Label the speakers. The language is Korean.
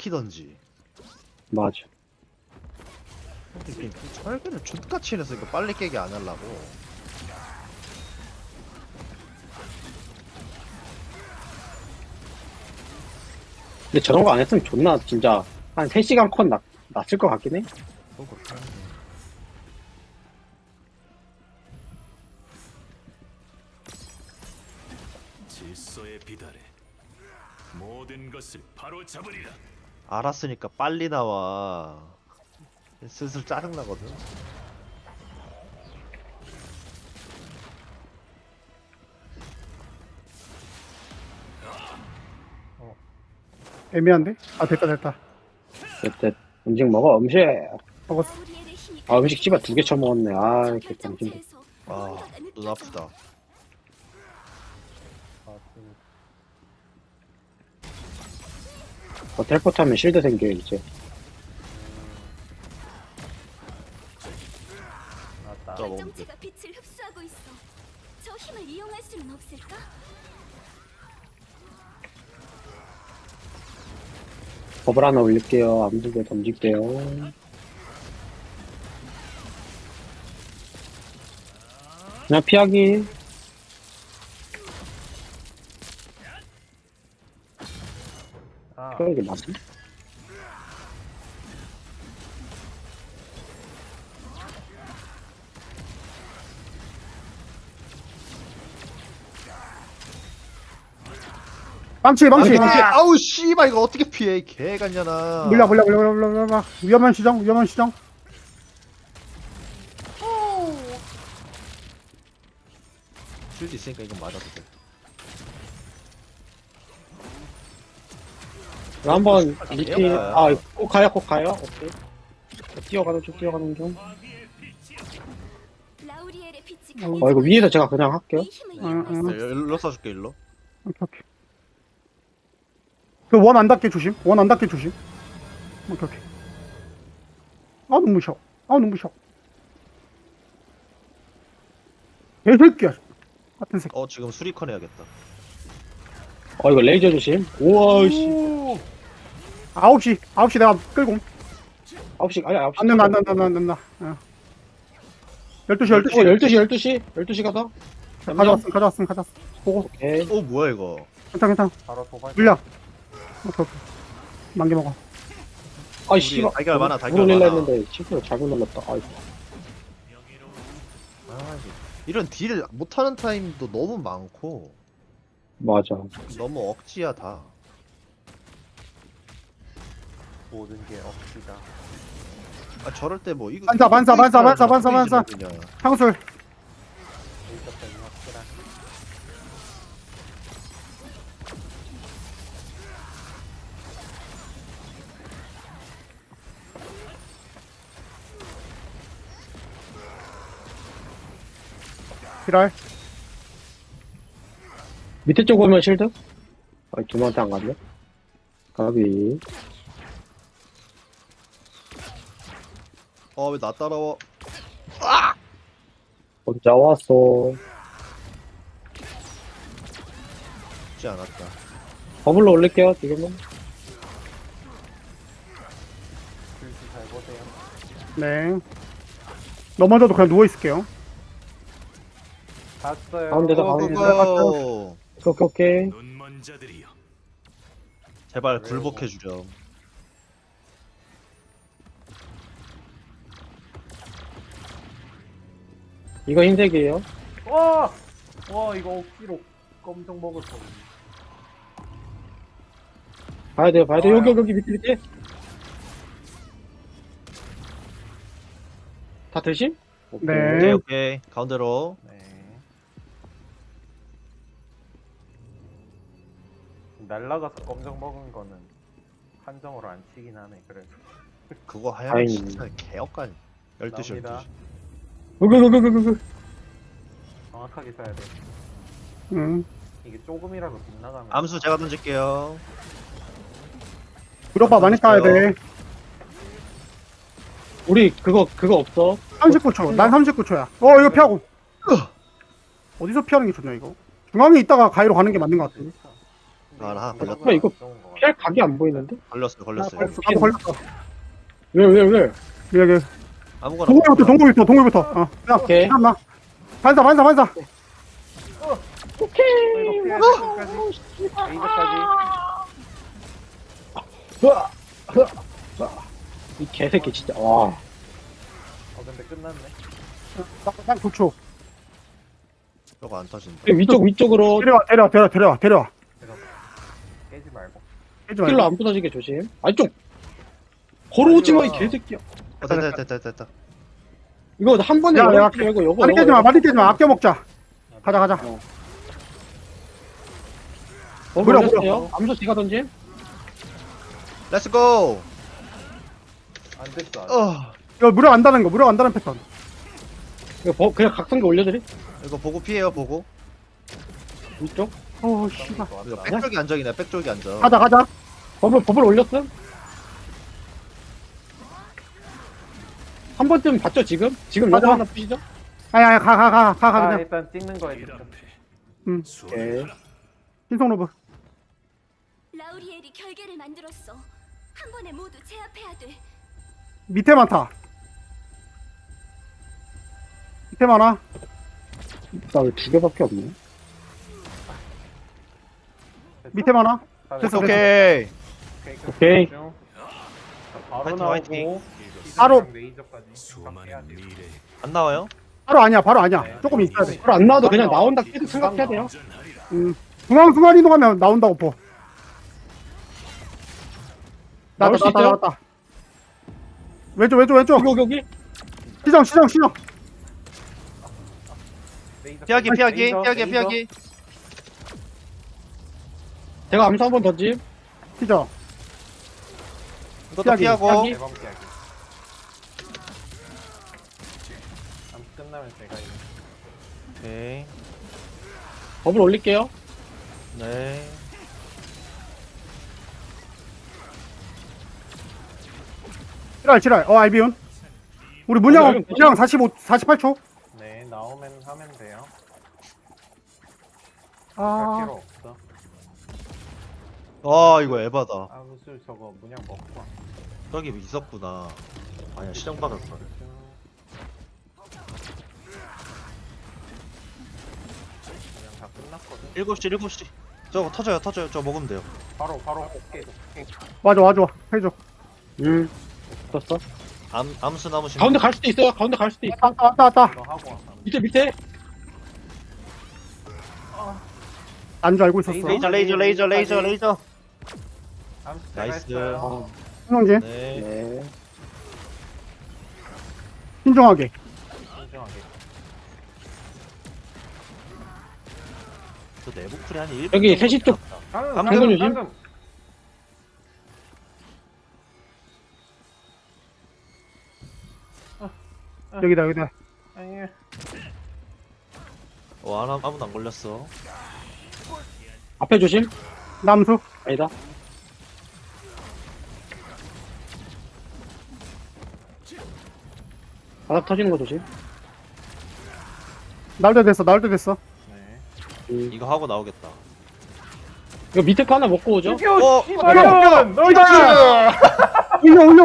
Speaker 1: 키던지.
Speaker 2: 맞아.
Speaker 1: 이게 철근을 족같이 해서 이거 빨리 깨게 안 하려고.
Speaker 2: 근데 저런 거 안 했으면 존나 진짜 한 3시간 컷 났을 것 같긴 해.
Speaker 1: 또 그렇게 하는데.
Speaker 3: 질서에 비달해 모든 것을 바로 잡으리라.
Speaker 1: 알았으니까 빨리 나와. 슬슬 짜증나거든.
Speaker 4: 애매한데? 아 됐다.
Speaker 2: 됐. 음식 먹어, 음식.
Speaker 4: 먹었어.
Speaker 2: 아, 음식 씨발 2개 처먹었네. 아, 개똥진데.
Speaker 1: 아, 눈 아프다.
Speaker 2: 텔포트 하면 실드 생겨, 이제.
Speaker 1: 자, 먹으면 돼.
Speaker 5: 정체가 빛을 흡수하고 있어. 저 힘을 이용할 수는 없을까?
Speaker 2: 버블 하나 올릴게요. 암두개 던질게요. 그냥 피하기. 피하는 게 맞아?
Speaker 4: 망치.
Speaker 1: 아우 씨발 이거 어떻게 피해? 이 개간냐나.
Speaker 4: 물려. 위험한 시정.
Speaker 1: 쉴드 있으니까 이건 맞아도 돼.
Speaker 2: 한번 리티,
Speaker 1: 가요.
Speaker 2: 꼭 가요? 오케이. 뛰어가는 중.
Speaker 5: 라우리엘의 빛이
Speaker 2: 이거 위에서 제가 그냥 할게요.
Speaker 5: 이 힘을
Speaker 4: 응.
Speaker 5: 이용할 수
Speaker 1: 일로 쏴줄게 일로.
Speaker 4: 오케이. 그 원 안 닿게 조심. 오케이. 아 눈부셔. 개새끼야. 같은 새끼.
Speaker 1: 지금 수리컨 해야겠다.
Speaker 2: 이거 레이저 조심. 우와, 씨.
Speaker 4: 9시 내가 끌고.
Speaker 2: 9시, 아니, 9시.
Speaker 4: 안 된다. 12시.
Speaker 2: 12시 가다.
Speaker 4: 가져왔음. 보고.
Speaker 2: 오케이.
Speaker 1: 뭐야 이거?
Speaker 4: 괜찮아. 물려. 오케이. 만개 먹어.
Speaker 2: 아이, 씨발.
Speaker 1: 달걀 많아, 달걀
Speaker 2: 물을릴라
Speaker 1: 많아.
Speaker 2: 했는데, 실수로 잘못 눌렀다. 아이.
Speaker 1: 이런 딜 못하는 타임도 너무 많고
Speaker 2: 맞아.
Speaker 1: 너무 억지야 다.
Speaker 6: 모든 게 억지다.
Speaker 1: 저럴 때 뭐 이거
Speaker 4: 반사.
Speaker 1: 그냥.
Speaker 4: 향술.
Speaker 6: 일적성이 확실한.
Speaker 4: 비랄.
Speaker 2: 밑에 쪽 오면 실드? 두명한테 안 갔네? 가비.
Speaker 1: 왜 나 따라와?
Speaker 2: 혼자 왔어.
Speaker 1: 쉽지 않았다.
Speaker 2: 버블로 올릴게요, 지금은.
Speaker 6: 글씨 잘 보세요.
Speaker 4: 네. 넘어져도 그냥 누워 있을게요.
Speaker 6: 봤어요.
Speaker 2: 가운데다
Speaker 1: 고!
Speaker 2: 오케이.
Speaker 3: 눈먼 자들이여
Speaker 1: 제발 굴복해 주렴.
Speaker 2: 이거 흰색이에요.
Speaker 6: 와 이거 억지로 검정 먹을 거.
Speaker 2: 봐야 돼요. 여기 밑에. 다 드심?
Speaker 4: 네.
Speaker 1: 오케이. 가운데로.
Speaker 6: 네. 날라가서 검정 먹은 거는 한정으로 안 치긴 하네. 그래도.
Speaker 1: 그거 하얀
Speaker 2: 다행이네.
Speaker 1: 진짜 개업간. 12시
Speaker 6: 나옵니다.
Speaker 1: 12시.
Speaker 6: 정확하게 써야 돼. 이게 조금이라도 빗나가면.
Speaker 1: 암수 제가 던질게요.
Speaker 4: 무력화 많이 따야 돼.
Speaker 2: 우리 그거 없어.
Speaker 4: 39초. 난 39초야. 이거 피하고. 어디서 피하는 게 좋냐 이거? 중앙에 있다가 가위로 가는 게 맞는 것 같아.
Speaker 1: 하나
Speaker 6: 이거
Speaker 1: 걸렸다.
Speaker 2: 이거
Speaker 6: 좋은 거
Speaker 2: 피할 각이 안 보이는데?
Speaker 1: 걸렸어요.
Speaker 4: 나도 걸렸어.
Speaker 2: 왜?
Speaker 4: 여기.
Speaker 1: 아무거나.
Speaker 4: 동굴부터. 야,
Speaker 2: 오케이.
Speaker 4: 잠깐만. 반사.
Speaker 6: 이거 피해야 돼. 끝까지. 레이저까지.
Speaker 2: 이 개새끼 진짜 와.
Speaker 6: 근데 끝났네.
Speaker 4: 딱 9초.
Speaker 1: 저거 안 터진다.
Speaker 2: 위쪽으로
Speaker 4: 데려와.
Speaker 6: 깨지 말고.
Speaker 4: 깨지
Speaker 2: 킬로
Speaker 4: 말고.
Speaker 2: 안 부서지게 조심. 아니 좀 걸어오지 마 이 개새끼야.
Speaker 1: 됐다.
Speaker 2: 이거 한 번에
Speaker 4: 야,
Speaker 2: 열어주지 말고 요거
Speaker 4: 많이 깨지 마. 아껴 먹자. 가자.
Speaker 2: 버블
Speaker 4: 무려.
Speaker 2: 올렸어요. 암수 제가 던짐.
Speaker 1: 렛츠 고.
Speaker 6: 안 됐어.
Speaker 4: 이거 무력 안다는 패턴.
Speaker 2: 이거 그냥 각성기 올려드리.
Speaker 1: 이거 보고 피해요. 보고.
Speaker 2: 위쪽.
Speaker 4: 씨발.
Speaker 1: 이거 백쪽이 안정이네. 백쪽이 안정.
Speaker 4: 가자.
Speaker 2: 버블 올렸음. 한 번쯤 봤죠 지금? 지금 요거
Speaker 4: 맞아.
Speaker 2: 하나 푸시죠?
Speaker 4: 아야, 가, 그냥.
Speaker 6: 일단 찍는 거에
Speaker 3: 길
Speaker 6: 집중.
Speaker 3: 앞에
Speaker 2: 오케이.
Speaker 3: 소리라.
Speaker 4: 신성 로브.
Speaker 5: 라우리엘이 결계를 만들었어. 한 번에 모두 제압해야 돼.
Speaker 4: 밑에 많다. 밑에 많아.
Speaker 2: 나 왜 2개밖에 없네?
Speaker 4: 밑에 많아. 됐어.
Speaker 1: 오케이.
Speaker 2: 오케이.
Speaker 6: 바로
Speaker 1: 화이팅,
Speaker 6: 나오고.
Speaker 1: 화이팅.
Speaker 4: 바로.
Speaker 6: 레이저까지.
Speaker 3: 수많은 미래
Speaker 1: 안 나와요?
Speaker 4: 바로 아니야. 조금 있어야 돼.
Speaker 2: 바로 안 나와도 그냥 나온다 계속 생각해야 돼요.
Speaker 3: 안전하리라.
Speaker 4: 중앙 이동하면 나온다고 포.
Speaker 2: 나올 수 있어요?
Speaker 4: 나왔다. 왼쪽.
Speaker 2: 여기.
Speaker 4: 시정.
Speaker 1: 피하기.
Speaker 6: 레이저.
Speaker 2: 제가 암수 한번 던짐.
Speaker 4: 시정.
Speaker 1: 이것도
Speaker 4: 피하기.
Speaker 1: 피하고.
Speaker 6: 대범 피하기. 암 끝나면 제가 이거.
Speaker 1: 오케이.
Speaker 2: 버블 올릴게요.
Speaker 1: 네.
Speaker 4: 칠할. 알비온. 우리 문양 48초.
Speaker 6: 네, 나오면 하면 돼요. 할
Speaker 4: 아,
Speaker 6: 필요 없어.
Speaker 1: 이거 에바다.
Speaker 6: 무술 저거 문양 먹고 와.
Speaker 1: 저기 있었구나. 아니야, 시정 받았어.
Speaker 6: 그냥 다 끝났거든.
Speaker 1: 7시. 저거 터져요. 저거 먹으면 돼요.
Speaker 6: 바로 오케이.
Speaker 4: 와줘. 해줘.
Speaker 2: 떴어.
Speaker 1: 암수 남으신
Speaker 2: 가운데 갈 수도 있어요. 가운데 갈 수도 있어.
Speaker 4: 왔다.
Speaker 6: 이거 하고 와.
Speaker 2: 밑에.
Speaker 4: 안 줄 알고 있었어.
Speaker 1: 레이저.
Speaker 6: 암수
Speaker 1: 나이스.
Speaker 6: 했어요.
Speaker 4: 신성진.
Speaker 1: 네.
Speaker 2: 네.
Speaker 4: 신중하게.
Speaker 6: 신중하게.
Speaker 1: 저 내부 쿨이 한 1분.
Speaker 2: 여기 3시 쪽.
Speaker 6: 방금
Speaker 2: 조심.
Speaker 4: 여기다.
Speaker 6: 아니,
Speaker 1: 아무도 안 걸렸어.
Speaker 2: 앞에 조심.
Speaker 4: 남수.
Speaker 2: 아니다. 바닥 터지는 거 조심.
Speaker 4: 나올 때 됐어.
Speaker 6: 네.
Speaker 1: 이거 하고 나오겠다.
Speaker 2: 이거 밑에 거 하나 먹고 오죠.
Speaker 6: 이겨,
Speaker 1: 어,
Speaker 6: 씨발년!
Speaker 4: 올려.